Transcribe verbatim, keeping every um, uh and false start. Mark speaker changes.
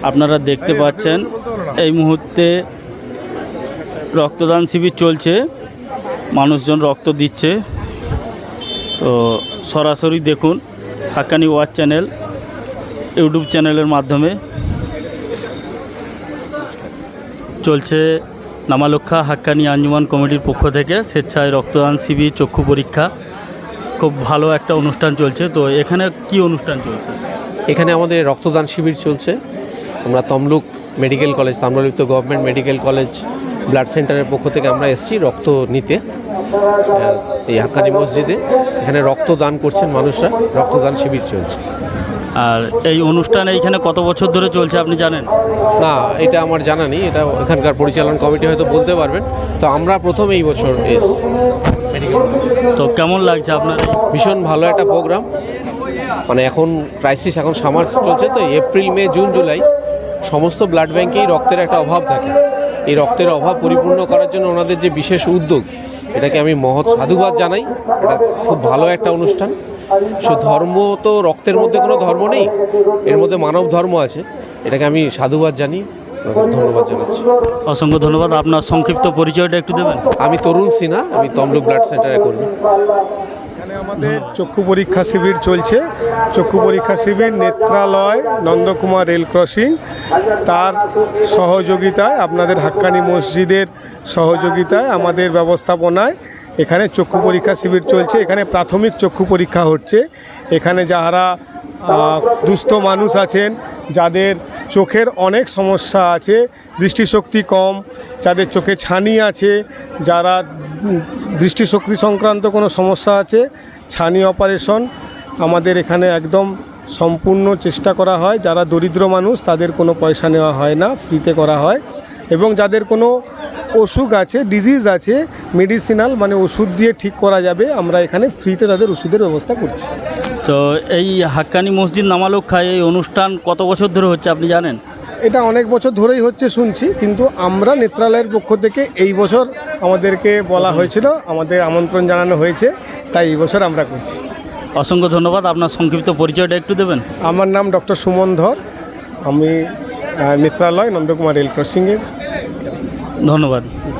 Speaker 1: আপনারা দেখতে পাচ্ছেন এই মুহূর্তে রক্তদান শিবির চলছে, মানুষজন রক্ত দিচ্ছে। তো সরাসরি দেখুন হাক্কানি ওয়াচ চ্যানেল ইউটিউব চ্যানেলের মাধ্যমে চলছে নামালক্ষা হাক্কানি আঞ্জুমান কমিটির পক্ষ থেকে স্বেচ্ছায় রক্তদান শিবির, চক্ষু পরীক্ষা, খুব ভালো একটা অনুষ্ঠান চলছে। তো এখানে কি অনুষ্ঠান চলছে?
Speaker 2: এখানে আমাদের রক্তদান শিবির চলছে। আমরা Tamluk medical college, Tamralipta government medical college blood সেন্টারের পক্ষ থেকে আমরা এসেছি রক্ত নিতে এই হাক্কানি মসজিদে। এখানে রক্তদান করছেন মানুষরা, রক্তদান শিবির চলছে।
Speaker 1: আর এই অনুষ্ঠান এইখানে কত বছর ধরে চলছে আপনি জানেন?
Speaker 2: না, এটা আমার জানা নেই, এটা এখানকার পরিচালন কমিটি হয়তো বলতে পারবেন। তো আমরা প্রথম এই বছর এস মেডিকেল।
Speaker 1: তো কেমন লাগছে আপনার?
Speaker 2: ভীষণ ভালো একটা প্রোগ্রাম। মানে এখন ক্রাইসিস, এখন সামার চলছে, তো এপ্রিল মে জুন জুলাই সমস্ত ব্লাড ব্যাঙ্কেই রক্তের একটা অভাব থাকে। এই রক্তের অভাব পরিপূর্ণ করার জন্য ওনাদের যে বিশেষ উদ্যোগ, এটাকে আমি মহৎ সাধুবাদ জানাই। এটা খুব ভালো একটা অনুষ্ঠান। সো ধর্ম তো, রক্তের মধ্যে কোনো ধর্ম নেই, এর মধ্যে মানব ধর্ম আছে। এটাকে আমি সাধুবাদ জানি, ধন্যবাদ জানাচ্ছি।
Speaker 1: অসংখ্য ধন্যবাদ। আপনার সংক্ষিপ্ত পরিচয়টা একটু দেবেন?
Speaker 2: আমি তরুণ সিনহা, আমি তমলুক ব্লাড সেন্টারে কর্মী।
Speaker 3: এখানে আমাদের চক্ষু পরীক্ষা শিবির চলছে। চক্ষু পরীক্ষা শিবির নেত্রালয় নন্দকুমার রেল ক্রসিং তার সহযোগিতায়, আপনাদের হাক্কানি মসজিদের সহযোগিতায়, আমাদের ব্যবস্থাপনায় এখানে চক্ষু পরীক্ষা শিবির চলছে। এখানে প্রাথমিক চক্ষু পরীক্ষা হচ্ছে। এখানে যারা দুস্থ মানুষ আছেন, যাদের চোখের অনেক সমস্যা আছে, দৃষ্টিশক্তি কম, যাদের চোখে ছানি আছে, যারা দৃষ্টিশক্তি সংক্রান্ত কোনো সমস্যা আছে, ছানি অপারেশন আমাদের এখানে একদম সম্পূর্ণ চেষ্টা করা হয়। যারা দরিদ্র মানুষ তাদের কোনো পয়সা নেওয়া হয় না, ফ্রিতে করা হয়। এবং যাদের কোনো অসুখ আছে, ডিজিজ আছে, মেডিসিনাল মানে ওষুধ দিয়ে ঠিক করা যাবে, আমরা এখানে ফ্রিতে তাদের ওষুধের ব্যবস্থা করছি।
Speaker 1: তো এই হাক্কানি মসজিদ নামালক্ষায় এই অনুষ্ঠান কত বছর ধরে হচ্ছে আপনি জানেন?
Speaker 3: এটা অনেক বছর ধরেই হচ্ছে শুনছি, কিন্তু আমরা নেত্রালয়ের পক্ষ থেকে এই বছর আমাদেরকে বলা হয়েছিল, আমাদের আমন্ত্রণ জানানো হয়েছে, তাই এই বছর আমরা করছি।
Speaker 1: অসংখ্য ধন্যবাদ। আপনার সংক্ষিপ্ত পরিচয়টা একটু দেবেন?
Speaker 3: আমার নাম ডক্টর সুমন ধর, আমি নেত্রালয় নন্দকুমার রেল ক্রসিংয়ের।
Speaker 1: ধন্যবাদ।